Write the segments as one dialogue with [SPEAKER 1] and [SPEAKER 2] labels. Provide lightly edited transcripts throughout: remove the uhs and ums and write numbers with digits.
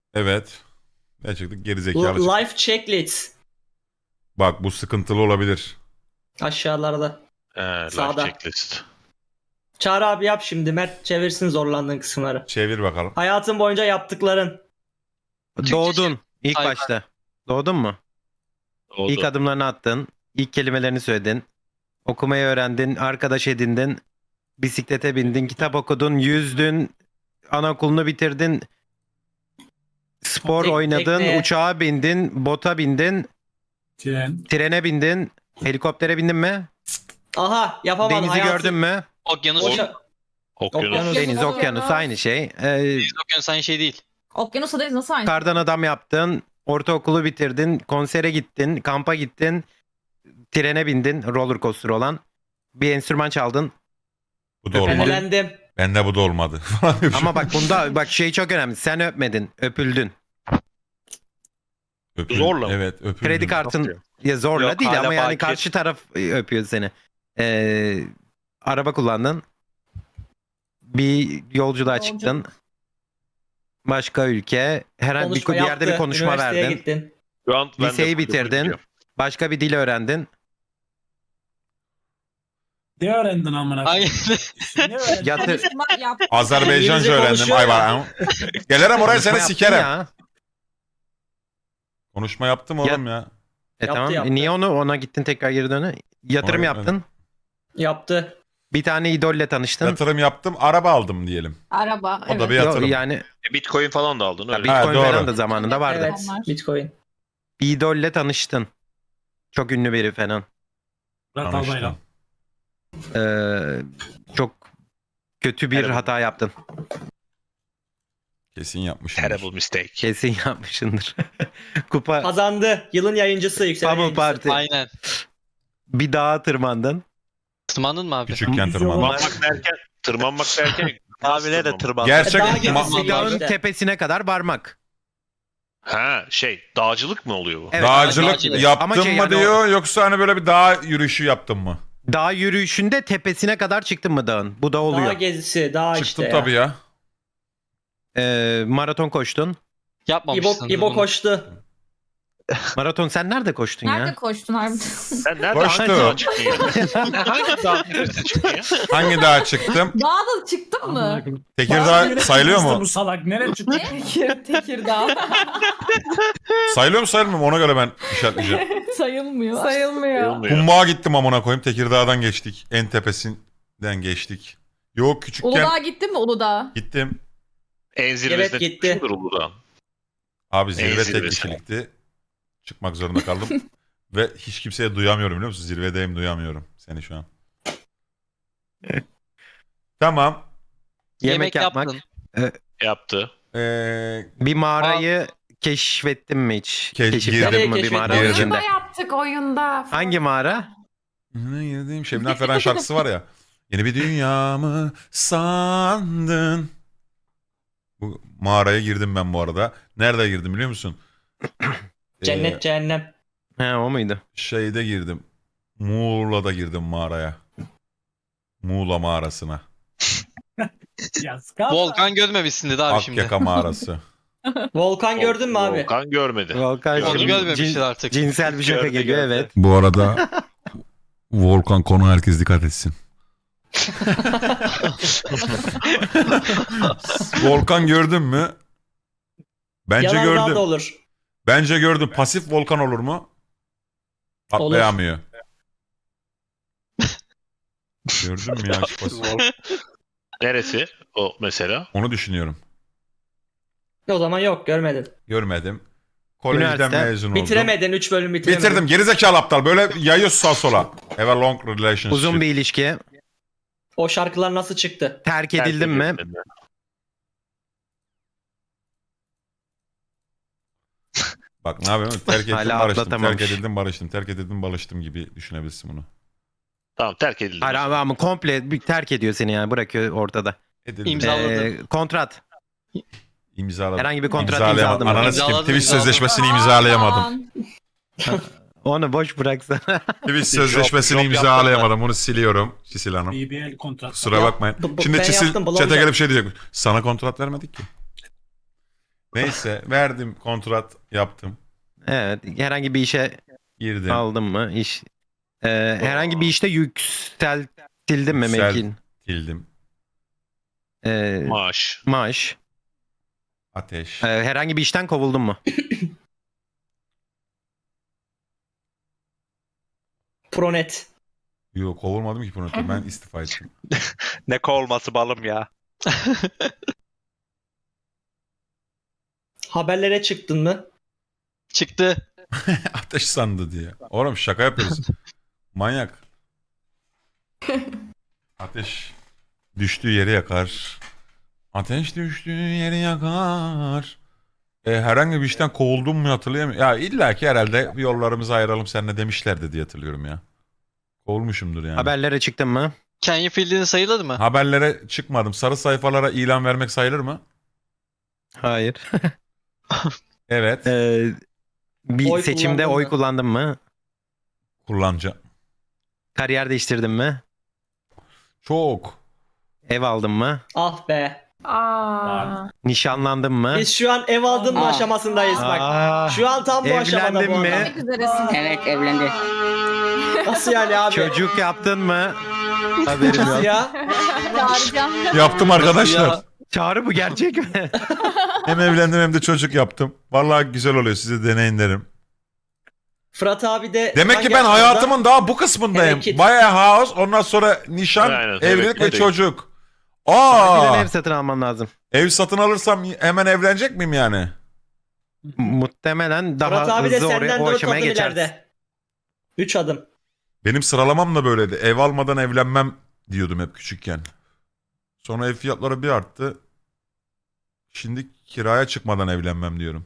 [SPEAKER 1] Evet. Gerçekten gerizekalı çıktı.
[SPEAKER 2] Life checklist.
[SPEAKER 1] Bak bu sıkıntılı olabilir.
[SPEAKER 2] Aşağılarda.
[SPEAKER 3] Life
[SPEAKER 2] Sağda.
[SPEAKER 3] checklist.
[SPEAKER 2] Çağrı abi yap şimdi. Mert çevirsin zorlandığın kısımları.
[SPEAKER 1] Çevir bakalım.
[SPEAKER 2] Hayatın boyunca yaptıkların.
[SPEAKER 4] Doğdun ilk
[SPEAKER 5] Hayır.
[SPEAKER 4] başta. Doğdun mu?
[SPEAKER 3] Oldu.
[SPEAKER 4] İlk adımlarını attın. İlk kelimelerini söyledin. Okumayı öğrendin. Arkadaş edindin. Bisiklete bindin. Kitap okudun. Yüzdün. Anaokulunu bitirdin. Spor oynadın.
[SPEAKER 2] tekneye.
[SPEAKER 4] Uçağa bindin. Bota bindin. Trene bindin. Helikoptere bindin mi?
[SPEAKER 2] Aha yapamadın.
[SPEAKER 4] Denizi
[SPEAKER 2] hayatın...
[SPEAKER 4] gördün mü?
[SPEAKER 5] Okyanus.
[SPEAKER 2] Boşa...
[SPEAKER 3] Okyanus.
[SPEAKER 2] Okyanus.
[SPEAKER 4] Deniz,
[SPEAKER 6] Okyanus.
[SPEAKER 4] okyanus aynı şey.
[SPEAKER 5] Okyanus aynı şey değil.
[SPEAKER 6] Okyanusla deniz nasıl aynı?
[SPEAKER 4] Kardan adam yaptın. Ortaokulu bitirdin. Konsere gittin. Kampa gittin. Trene bindin. Roller coaster olan. Bir enstrüman çaldın.
[SPEAKER 1] Bu da olmadı.
[SPEAKER 2] Elendim.
[SPEAKER 1] Bende bu da olmadı.
[SPEAKER 4] Ama bak bunda bak şey çok önemli. Sen öpmedin. Öpüldün.
[SPEAKER 1] Öpüldüm.
[SPEAKER 3] Zorla mı?
[SPEAKER 1] Evet öpüldüm.
[SPEAKER 4] Kredi kartın ya zorla
[SPEAKER 3] Yok,
[SPEAKER 4] değil
[SPEAKER 3] hala
[SPEAKER 4] ama yani
[SPEAKER 3] bakir.
[SPEAKER 4] karşı taraf öpüyor seni. Araba kullandın. Bir yolculuğa
[SPEAKER 6] Yolcu.
[SPEAKER 4] çıktın. Başka ülke. Herhangi bir,
[SPEAKER 2] Konuşma
[SPEAKER 4] bir yerde
[SPEAKER 2] yaptı.
[SPEAKER 4] bir konuşma
[SPEAKER 2] Üniversiteye
[SPEAKER 4] verdin.
[SPEAKER 2] gittin.
[SPEAKER 3] Şu an ben de
[SPEAKER 4] Liseyi
[SPEAKER 3] full
[SPEAKER 4] bitirdin.
[SPEAKER 3] biliyorum.
[SPEAKER 4] Başka bir dil öğrendin.
[SPEAKER 7] Ne öğrendin amına
[SPEAKER 5] Aynı.
[SPEAKER 7] koyayım? Ne öğrendin?
[SPEAKER 4] Yatır,
[SPEAKER 6] Konuşma yap.
[SPEAKER 1] Azerbaycanca
[SPEAKER 2] İngilizce
[SPEAKER 1] öğrendim.
[SPEAKER 2] konuşuyor
[SPEAKER 1] Ay
[SPEAKER 2] ya.
[SPEAKER 1] var. Gelirim oraya seni
[SPEAKER 4] konuşma yaptın
[SPEAKER 1] sikerim.
[SPEAKER 4] ya.
[SPEAKER 1] Konuşma yaptım oğlum ya.
[SPEAKER 2] Yaptı,
[SPEAKER 4] Tamam.
[SPEAKER 2] yaptı.
[SPEAKER 4] Niye ona gittin tekrar geri döne? Yatırım
[SPEAKER 1] Ona
[SPEAKER 4] yaptın.
[SPEAKER 2] Yaptı.
[SPEAKER 4] Bir tane idolle tanıştın.
[SPEAKER 1] Yatırım yaptım. Araba aldım diyelim.
[SPEAKER 6] Araba.
[SPEAKER 1] O da bir
[SPEAKER 4] Yo,
[SPEAKER 1] yatırım.
[SPEAKER 4] yani
[SPEAKER 3] Bitcoin falan da aldın öyle.
[SPEAKER 4] Bitcoin
[SPEAKER 1] doğru.
[SPEAKER 4] falan da zamanında vardı.
[SPEAKER 2] Evet. Bitcoin.
[SPEAKER 4] Bir idolle tanıştın. Çok ünlü biri falan.
[SPEAKER 7] Murat
[SPEAKER 1] Tanıştım.
[SPEAKER 7] Albayrak.
[SPEAKER 4] Çok kötü bir
[SPEAKER 3] Terrible.
[SPEAKER 4] hata yaptın.
[SPEAKER 1] Kesin yapmışım.
[SPEAKER 3] Terrible mistake.
[SPEAKER 4] Kesin yapmışsındır. Kupa
[SPEAKER 2] Kazandı. Yılın yayıncısı yükselen
[SPEAKER 4] Bubble
[SPEAKER 2] yayıncısı.
[SPEAKER 4] Party.
[SPEAKER 5] Aynen.
[SPEAKER 4] Bir dağa tırmandın.
[SPEAKER 5] Tırmandın mı abi?
[SPEAKER 1] Küçükken
[SPEAKER 7] Yüzü
[SPEAKER 1] tırmandım.
[SPEAKER 7] olan-
[SPEAKER 3] Tırmanmak derken
[SPEAKER 8] Abine de tırman.
[SPEAKER 1] Gerçek
[SPEAKER 2] Daha
[SPEAKER 1] ma-
[SPEAKER 2] gerisi
[SPEAKER 4] Dağın
[SPEAKER 2] işte.
[SPEAKER 4] tepesine kadar varmak.
[SPEAKER 3] Ha dağcılık mı oluyor bu?
[SPEAKER 4] Evet,
[SPEAKER 1] dağcılık
[SPEAKER 5] dağcılık.
[SPEAKER 1] yaptın
[SPEAKER 4] Ama şey
[SPEAKER 1] mı
[SPEAKER 4] yani
[SPEAKER 1] diyor yoksa hani böyle bir dağ yürüyüşü yaptın mı?
[SPEAKER 4] Dağ yürüyüşünde tepesine kadar çıktın mı dağın? Bu da
[SPEAKER 2] Dağ
[SPEAKER 4] oluyor.
[SPEAKER 2] gezisi. Dağ
[SPEAKER 1] Çıktım
[SPEAKER 2] işte ya.
[SPEAKER 1] tabii ya.
[SPEAKER 4] Maraton koştun.
[SPEAKER 5] Yapmamışsın.
[SPEAKER 2] İbo koştu.
[SPEAKER 4] Maraton sen nerede koştun
[SPEAKER 6] Nerede
[SPEAKER 4] ya?
[SPEAKER 6] koştun harbiden?
[SPEAKER 3] Sen nerede
[SPEAKER 1] Koştu.
[SPEAKER 3] hangi dağa çıktın ya? Hangi dağa çıktın ya?
[SPEAKER 1] Hangi dağa çıktım?
[SPEAKER 6] Dağda çıktın mı?
[SPEAKER 1] Tekirdağ sayılıyor mu?
[SPEAKER 7] Bu salak nereye çıktı?
[SPEAKER 6] Tekirdağ.
[SPEAKER 1] Sayılıyor mu sayılmıyor mu? Ona göre ben işaretleyeceğim.
[SPEAKER 6] Sayılmıyor. Sayılmıyor.
[SPEAKER 3] Sayılmıyor.
[SPEAKER 1] Kumbağa gittim amına koyayım. Tekirdağ'dan geçtik. En tepesinden geçtik. Yok küçükken
[SPEAKER 6] Uludağ'a gittin mi Uludağ?
[SPEAKER 1] gittim.
[SPEAKER 3] En zirvesine
[SPEAKER 2] Evet, gitti.
[SPEAKER 3] çıkmışımdır Uludağ'ın.
[SPEAKER 1] Abi zirve tek
[SPEAKER 3] zirvesi.
[SPEAKER 1] kişilikti. Çıkmak zorunda kaldım. Ve hiç kimseye duyamıyorum biliyor musun? Zirvedeyim duyamıyorum seni şu an. Tamam.
[SPEAKER 4] Yemek yapmak.
[SPEAKER 5] yaptın.
[SPEAKER 3] Yaptı.
[SPEAKER 4] Bir mağarayı keşfettin mi hiç?
[SPEAKER 1] Girdim.
[SPEAKER 4] Keşfettin mi bir
[SPEAKER 2] Nereye
[SPEAKER 4] mağara
[SPEAKER 1] keşfettin?
[SPEAKER 4] içinde?
[SPEAKER 6] Oyunda yaptık oyunda.
[SPEAKER 4] Hangi mağara?
[SPEAKER 1] Girdiğim Şebnem Ferah şarkısı var ya. Yeni bir dünya mı sandın? Bu mağaraya girdim ben bu arada. Nerede girdim biliyor musun?
[SPEAKER 2] Cennet cehennem.
[SPEAKER 4] He o muydu?
[SPEAKER 1] Şeyde girdim. Muğla'da girdim mağaraya. Muğla mağarasına.
[SPEAKER 7] Ya skapa.
[SPEAKER 5] Volkan görmemişsindir abi şimdi.
[SPEAKER 1] Akyaka mağarası.
[SPEAKER 2] Volkan gördün mü abi?
[SPEAKER 3] Volkan görmedi.
[SPEAKER 4] Volkan
[SPEAKER 5] Onu
[SPEAKER 4] şimdi
[SPEAKER 5] görmemiştir artık.
[SPEAKER 4] cinsel bir şaka
[SPEAKER 3] Gördü,
[SPEAKER 4] geliyor
[SPEAKER 3] gördü.
[SPEAKER 4] evet.
[SPEAKER 1] Bu arada Volkan konu herkes dikkat etsin. Volkan gördün mü? Bence
[SPEAKER 2] Yalandan
[SPEAKER 1] gördüm.
[SPEAKER 2] da olur.
[SPEAKER 1] Bence gördüm. Pasif volkan olur mu? Atlayamıyor. Gördün mü ya? Şu pasif?
[SPEAKER 3] Neresi o mesela?
[SPEAKER 1] Onu düşünüyorum.
[SPEAKER 2] O zaman yok görmedin.
[SPEAKER 1] Görmedim. Kolejden
[SPEAKER 4] Üniversite.
[SPEAKER 1] mezun oldum.
[SPEAKER 2] Bitiremedin 3 bölüm bitiremedin.
[SPEAKER 1] Bitirdim. Gerizekalı aptal. Böyle yayıyor sağ sola. Have a long relationship.
[SPEAKER 4] Uzun bir ilişki.
[SPEAKER 2] O şarkılar nasıl çıktı?
[SPEAKER 4] Terk edildin mi?
[SPEAKER 1] Bak ne yapıyorum? Terk ettim
[SPEAKER 4] Hala
[SPEAKER 1] barıştım.
[SPEAKER 4] atlatamamış.
[SPEAKER 1] Terk edildim barıştım. Terk edildim barıştım gibi düşünebilirsin bunu.
[SPEAKER 3] Tamam terk edildi.
[SPEAKER 4] Hayır ama komple bir terk ediyor seni yani bırakıyor ortada.
[SPEAKER 1] Edildim.
[SPEAKER 5] İmzaladı.
[SPEAKER 4] Kontrat.
[SPEAKER 1] İmzaladım.
[SPEAKER 4] Herhangi bir kontrat
[SPEAKER 1] İmzalayamadım.
[SPEAKER 4] imzaladım.
[SPEAKER 1] Ananı sikeyim.
[SPEAKER 5] İmzaladım,
[SPEAKER 1] Twitch
[SPEAKER 5] imzaladım.
[SPEAKER 1] sözleşmesini imzalayamadım.
[SPEAKER 4] Onu boş bıraksana.
[SPEAKER 1] Twitch sözleşmesini
[SPEAKER 3] job
[SPEAKER 1] imzalayamadım. Bunu siliyorum. Çisil Hanım.
[SPEAKER 7] BBL kontrat.
[SPEAKER 1] Kusura bakmayın.
[SPEAKER 2] Bu-
[SPEAKER 1] Şimdi
[SPEAKER 2] ben
[SPEAKER 1] Çisil
[SPEAKER 2] yaptım,
[SPEAKER 1] chat'e
[SPEAKER 2] bulamayacağım.
[SPEAKER 1] gelip şey diyecek. Sana kontrat vermedik ki. Neyse verdim kontrat yaptım.
[SPEAKER 4] Evet. Herhangi bir işe
[SPEAKER 1] Girdim.
[SPEAKER 4] aldın mı? Herhangi bir işte yükseltildin mi
[SPEAKER 1] Yüksel-
[SPEAKER 4] mevkin?
[SPEAKER 1] Girdim.
[SPEAKER 3] Maaş.
[SPEAKER 4] Maaş.
[SPEAKER 1] Ateş.
[SPEAKER 4] Herhangi bir işten kovuldun mu?
[SPEAKER 2] Pronet.
[SPEAKER 1] Yok kovulmadım ki bunu. Ben istifa ettim.
[SPEAKER 8] Ne kovulması balım ya.
[SPEAKER 2] Haberlere çıktın mı?
[SPEAKER 5] Çıktı.
[SPEAKER 1] Ateş sandı diye. Oğlum şaka yapıyoruz. Manyak. Ateş düştüğü yeri yakar. Ateş düştüğü yeri yakar. Herhangi bir işten kovuldum mu hatırlayamıyorum. Ya illa ki herhalde bir yollarımızı ayıralım seninle demişlerdi diye hatırlıyorum ya. Kovulmuşumdur yani.
[SPEAKER 4] Haberlere çıktın mı?
[SPEAKER 5] Kenya Field'in sayılır mı?
[SPEAKER 1] Haberlere çıkmadım. Sarı sayfalara ilan vermek sayılır mı?
[SPEAKER 4] Hayır.
[SPEAKER 1] Evet.
[SPEAKER 4] Bir
[SPEAKER 2] Oy
[SPEAKER 4] seçimde
[SPEAKER 2] kullandın
[SPEAKER 4] oy
[SPEAKER 2] mı?
[SPEAKER 4] kullandın mı?
[SPEAKER 1] Kullanacağım.
[SPEAKER 4] Kariyer değiştirdin mi?
[SPEAKER 1] Çok.
[SPEAKER 4] Ev aldın mı?
[SPEAKER 2] Ah be.
[SPEAKER 6] Aa.
[SPEAKER 4] Nişanlandın mı?
[SPEAKER 2] Biz şu an ev aldırma
[SPEAKER 9] Aa.
[SPEAKER 2] aşamasındayız bak.
[SPEAKER 4] Aa,
[SPEAKER 2] Şu an tam bu aşamada
[SPEAKER 4] evlendin
[SPEAKER 2] bu
[SPEAKER 4] mi?
[SPEAKER 2] adam.
[SPEAKER 6] Demek üzeresin.
[SPEAKER 9] Evet evlendi.
[SPEAKER 2] Nasıl yani abi?
[SPEAKER 4] Çocuk yaptın mı? Haberim
[SPEAKER 2] Nasıl
[SPEAKER 4] yok.
[SPEAKER 2] ya?
[SPEAKER 6] Çağıracağım.
[SPEAKER 1] Yaptım arkadaşlar.
[SPEAKER 5] Ya.
[SPEAKER 4] Çağrı bu gerçek mi?
[SPEAKER 1] Hem evlendim hem de çocuk yaptım. Vallahi güzel oluyor. Size deneyin derim.
[SPEAKER 2] Fırat abi de...
[SPEAKER 1] Demek ki
[SPEAKER 2] hangi
[SPEAKER 1] ben
[SPEAKER 2] aşamada?
[SPEAKER 1] hayatımın daha bu kısmındayım.
[SPEAKER 2] Hareket.
[SPEAKER 1] Bayağı house, ondan sonra nişan,
[SPEAKER 3] Aynen,
[SPEAKER 1] evlilik
[SPEAKER 3] evet,
[SPEAKER 1] ve
[SPEAKER 3] evet.
[SPEAKER 1] çocuk.
[SPEAKER 4] Acilen
[SPEAKER 1] Aa!
[SPEAKER 4] ev satın alman lazım.
[SPEAKER 1] Ev satın alırsam hemen evlenecek miyim yani?
[SPEAKER 4] Muhtemelen daha
[SPEAKER 2] Fırat abi de
[SPEAKER 4] hızlı
[SPEAKER 2] senden
[SPEAKER 4] o
[SPEAKER 2] 4
[SPEAKER 4] aşamaya
[SPEAKER 2] adım
[SPEAKER 4] geçersin.
[SPEAKER 2] ileride. 3 adım.
[SPEAKER 1] Benim sıralamam da böyleydi. Ev almadan evlenmem diyordum hep küçükken. Sonra ev fiyatları bir arttı. Şimdi kiraya çıkmadan evlenmem diyorum.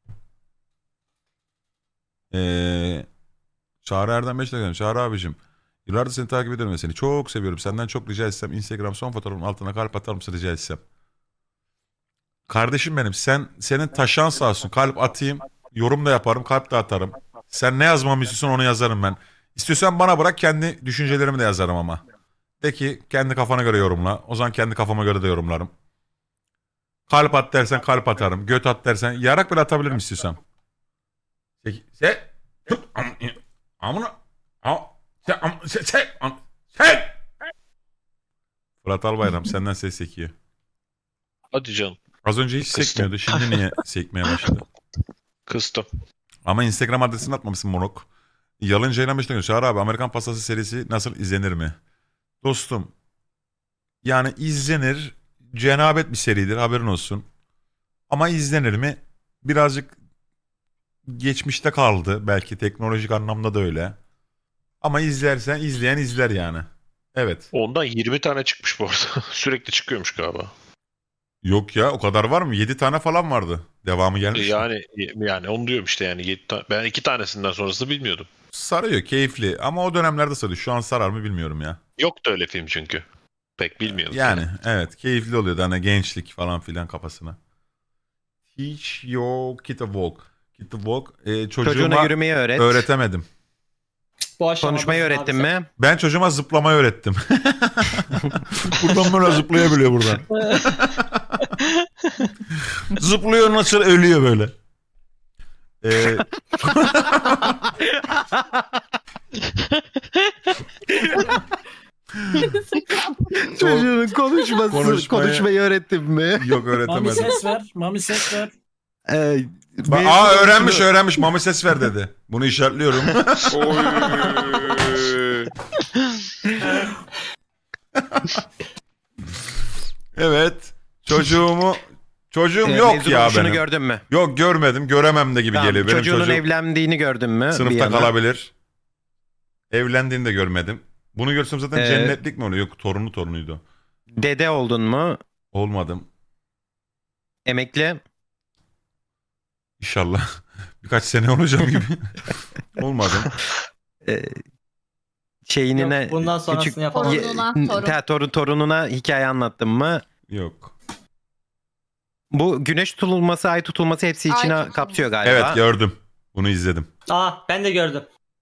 [SPEAKER 1] Çağrı Erdem 5 dakika. Çağrı abicim. Yıllardır seni takip ediyorum ve seni çok seviyorum. Senden çok rica etsem Instagram son fotoğrafın altına kalp atar mısın rica etsem. Kardeşim benim senin taşan sağ olsun. Kalp atayım. Yorum da yaparım. Kalp de atarım. Sen ne yazmamı istiyorsan onu yazarım ben. İstiyorsan bana bırak kendi düşüncelerimi de yazarım ama. De ki kendi kafana göre yorumla. O zaman kendi kafama göre de yorumlarım. Kalp at dersen kalp atarım. Göt at dersen yarak bile atabilirim istiyorsan. Sen amına sen Fırat Albayram senden ses sekiyor.
[SPEAKER 3] Hadi canım.
[SPEAKER 1] Az önce hiç
[SPEAKER 3] Kıstım.
[SPEAKER 1] sekmiyordu. Şimdi niye sekmeye başladı?
[SPEAKER 3] Kıstım.
[SPEAKER 1] Ama Instagram adresini atmamışsın moruk. Yalın Ceylan Beşiktaş. Çağrı abi Amerikan Pastası serisi nasıl izlenir mi? Dostum. Yani izlenir. Cenabet bir seridir haberin olsun. Ama izlenir mi? Birazcık geçmişte kaldı. Belki teknolojik anlamda da öyle. Ama izlersen izleyen izler yani. Evet.
[SPEAKER 3] Ondan 20 tane çıkmış bu arada. Sürekli çıkıyormuş galiba.
[SPEAKER 1] Yok ya o kadar var mı? 7 tane falan vardı. Devamı gelmiş. mi?
[SPEAKER 3] Yani onu diyorum işte yani. Ben 2 tanesinden sonrasını bilmiyordum.
[SPEAKER 1] Sarıyor keyifli ama o dönemlerde sarıyor. Şu an sarar mı bilmiyorum ya.
[SPEAKER 3] Yoktu öyle film çünkü. Pek bilmiyordum.
[SPEAKER 1] Yani evet keyifli oluyordu hani gençlik falan filan kafasına. Teach your kid to walk. Kid to walk.
[SPEAKER 4] Çocuğuna
[SPEAKER 1] Çocuğuma
[SPEAKER 4] yürümeyi öğret.
[SPEAKER 1] öğretemedim.
[SPEAKER 2] Bu aşamada
[SPEAKER 4] Konuşmayı
[SPEAKER 2] abi
[SPEAKER 4] öğrettin
[SPEAKER 2] sen.
[SPEAKER 4] mi?
[SPEAKER 1] Ben çocuğuma zıplamayı öğrettim. Buradan böyle zıplayabiliyor buradan. Zıplıyor nasıl ölüyor böyle.
[SPEAKER 4] Çocuğun konuşmayı öğrettin mi?
[SPEAKER 1] Yok
[SPEAKER 7] Mami
[SPEAKER 1] öğretemedim.
[SPEAKER 7] ses ver. Mami ses ver.
[SPEAKER 1] Öğrenmiş. Mami ses ver dedi. Bunu işaretliyorum. Evet. Çocuğum yok
[SPEAKER 4] mezun
[SPEAKER 1] ya
[SPEAKER 4] oluşunu
[SPEAKER 1] benim.
[SPEAKER 4] gördün mü?
[SPEAKER 1] Yok görmedim. Göremem de gibi
[SPEAKER 4] Tamam,
[SPEAKER 1] geliyor. Benim
[SPEAKER 4] çocuğunun
[SPEAKER 1] çocuğum
[SPEAKER 4] evlendiğini gördün mü? Bir
[SPEAKER 1] sınıfta
[SPEAKER 4] yana?
[SPEAKER 1] kalabilir. Evlendiğini de görmedim. Bunu görsem zaten cennetlik mi oluyor? Yok torunuydu.
[SPEAKER 4] Dede oldun mu?
[SPEAKER 1] Olmadım.
[SPEAKER 4] Emekli?
[SPEAKER 1] İnşallah. Birkaç sene olacağım gibi. Olmadım.
[SPEAKER 4] Şeyinine
[SPEAKER 2] Yok, bundan sonrasını yapalım.
[SPEAKER 4] torununa hikaye anlattın mı?
[SPEAKER 1] Yok.
[SPEAKER 4] Bu güneş tutulması, ay tutulması hepsi
[SPEAKER 6] Ay
[SPEAKER 4] içine
[SPEAKER 6] tutulması.
[SPEAKER 4] kapsıyor galiba.
[SPEAKER 1] Evet gördüm. Bunu izledim.
[SPEAKER 2] Ben de gördüm.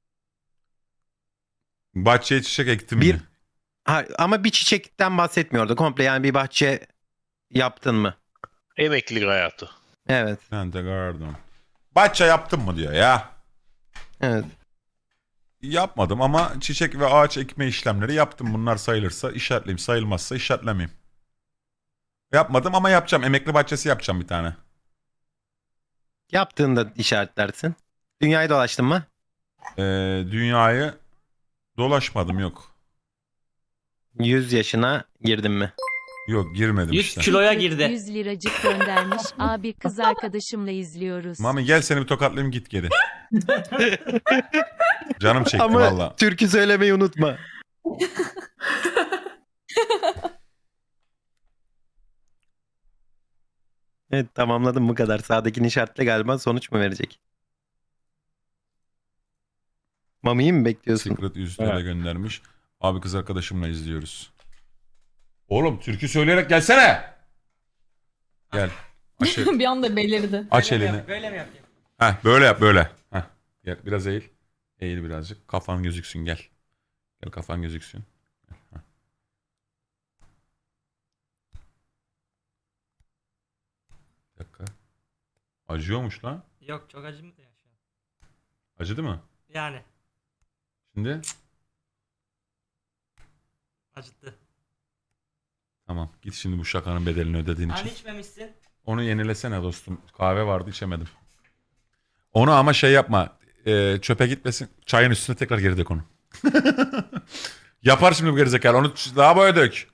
[SPEAKER 1] Bahçeye çiçek ektim
[SPEAKER 4] Bir-
[SPEAKER 1] mi?
[SPEAKER 4] Ama bir çiçekten bahsetmiyordu. Komple yani bir bahçe yaptın mı?
[SPEAKER 3] Emeklilik hayatı.
[SPEAKER 4] Evet.
[SPEAKER 1] Pentagarden. Bahçe yaptın mı diyor ya.
[SPEAKER 4] Evet.
[SPEAKER 1] Yapmadım ama çiçek ve ağaç ekme işlemleri yaptım. Bunlar sayılırsa işaretleyeyim. Sayılmazsa işaretlemeyeyim. Yapmadım ama yapacağım. Emekli bahçesi yapacağım bir tane.
[SPEAKER 4] Yaptığında işaretlersin. Dünyayı dolaştın mı?
[SPEAKER 1] Dünyayı dolaşmadım yok.
[SPEAKER 4] 100 yaşına girdin mi?
[SPEAKER 1] Yok girmedim
[SPEAKER 2] 100
[SPEAKER 1] işte.
[SPEAKER 2] kiloya girdi.
[SPEAKER 6] 100 liracık göndermiş. Abi kız arkadaşımla izliyoruz.
[SPEAKER 1] Mami gel seni bir tokatlayayım git geri. Canım çekti
[SPEAKER 4] Ama
[SPEAKER 1] valla.
[SPEAKER 4] türkü söylemeyi unutma. Evet, tamamladım bu kadar. Sağdakini işaretle, galiba sonuç mu verecek? Mami'yi mi bekliyorsun?
[SPEAKER 1] Secret 100 TL
[SPEAKER 7] Evet.
[SPEAKER 1] göndermiş. Abi kız arkadaşımla izliyoruz. Oğlum türkü söyleyerek gelsene. Gel. Aç,
[SPEAKER 6] Bir anda belirdi.
[SPEAKER 1] aç
[SPEAKER 2] Böyle mi
[SPEAKER 1] elini.
[SPEAKER 2] yap- Böyle mi yapayım?
[SPEAKER 1] Heh böyle yap böyle. Heh. Gel biraz eğil. Eğil birazcık. Kafan gözüksün gel. Gel kafan gözüksün. Heh. Bir dakika. Acıyormuş lan.
[SPEAKER 2] Yok çok acımadı ya şu an.
[SPEAKER 1] Acıdı mı?
[SPEAKER 2] Yani
[SPEAKER 1] Şimdi?
[SPEAKER 2] acıttı.
[SPEAKER 1] Tamam. Git şimdi bu şakanın bedelini ödediğin için.
[SPEAKER 2] Hani içmemişsin.
[SPEAKER 1] Onu yenilesene dostum. Kahve vardı içemedim. Onu ama şey yapma. Çöpe gitmesin. Çayın üstüne tekrar geri dök onu. Yapar şimdi bu gerizekalı. Onu daha böyle dök.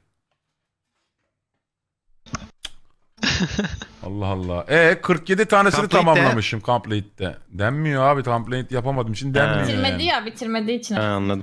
[SPEAKER 1] Allah Allah. 47 tanesini
[SPEAKER 4] Complete'de.
[SPEAKER 1] tamamlamışım Complete'de. Denmiyor abi. Complete yapamadığım için denmiyor.
[SPEAKER 6] Bitirmedi
[SPEAKER 1] yani.
[SPEAKER 6] ya, bitirmediği için.
[SPEAKER 4] Ha, anladım.